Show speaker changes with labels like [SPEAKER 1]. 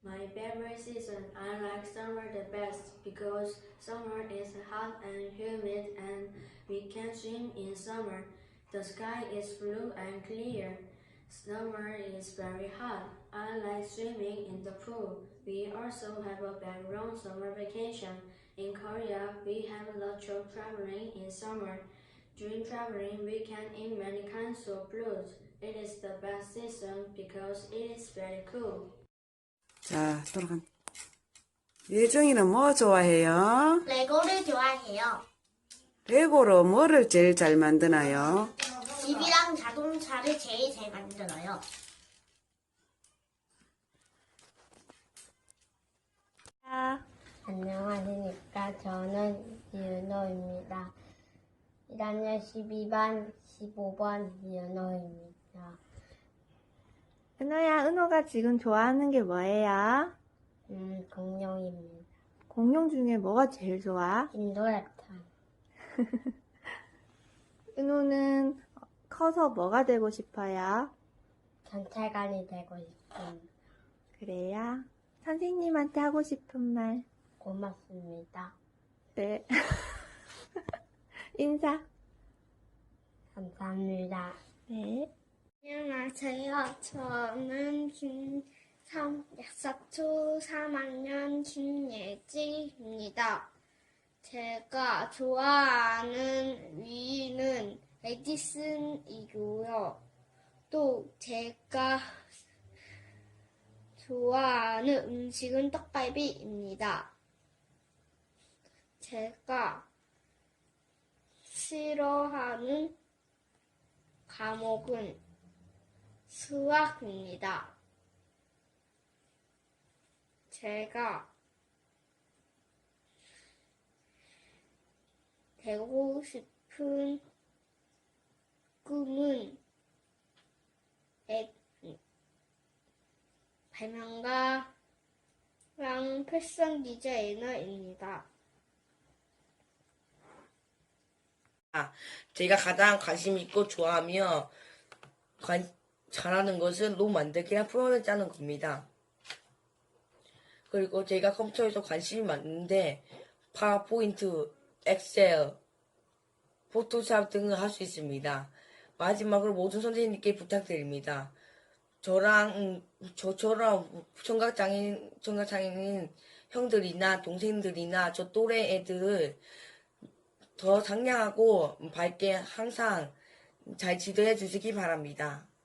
[SPEAKER 1] My favorite season, I like summer the best because summer is hot and humid and we can swim in summer. The sky is blue and clear. Summer is very hot. I like swimming in the pool. We also have a background summer vacation. In Korea, we have lots of traveling in summer. During traveling, we can eat many kinds of fruits. It is the best season because it is very cool.
[SPEAKER 2] 자, 돌아간. 예정이는 뭐 좋아해요?
[SPEAKER 3] 레고를 좋아해요.
[SPEAKER 2] 레고로 뭐를 제일 잘 만드나요?
[SPEAKER 3] 집이랑 자동차를 제일 잘 만들어요. 안녕하십니까. 저는 이은호입니다. 1학년 12반 15번 이은호입니다.
[SPEAKER 4] 은호야, 은호가 지금 좋아하는 게 뭐예요?
[SPEAKER 3] 공룡입니다.
[SPEAKER 4] 공룡 중에 뭐가 제일 좋아?
[SPEAKER 3] 인도랩터.
[SPEAKER 4] 은호는 커서 뭐가 되고 싶어요?
[SPEAKER 3] 경찰관이 되고 싶습니다.
[SPEAKER 4] 그래요? 선생님한테 하고 싶은 말.
[SPEAKER 3] 고맙습니다.
[SPEAKER 4] 네. 인사.
[SPEAKER 3] 감사합니다.
[SPEAKER 4] 네.
[SPEAKER 3] 안녕하세요. 저는 약사초 3학년 김예지입니다. 제가 좋아하는 위는 에디슨이고요. 또 제가 좋아하는 음식은 떡갈비입니다. 제가 싫어하는 과목은 수학입니다. 제가 되고 싶은 꿈은 발명가랑 패션 디자이너입니다.
[SPEAKER 5] 제가 가장 관심 있고 좋아하며 잘하는 것은 로 만들기랑 프로그램을 짜는 겁니다. 그리고 제가 컴퓨터에서 관심이 많은데 파워포인트, 엑셀, 포토샵 등을 할 수 있습니다. 마지막으로 모든 선생님께 부탁드립니다. 저처럼 청각장애인 형들이나 동생들이나 저 또래 애들을 더 상냥하고 밝게 항상 잘 지도해 주시기 바랍니다.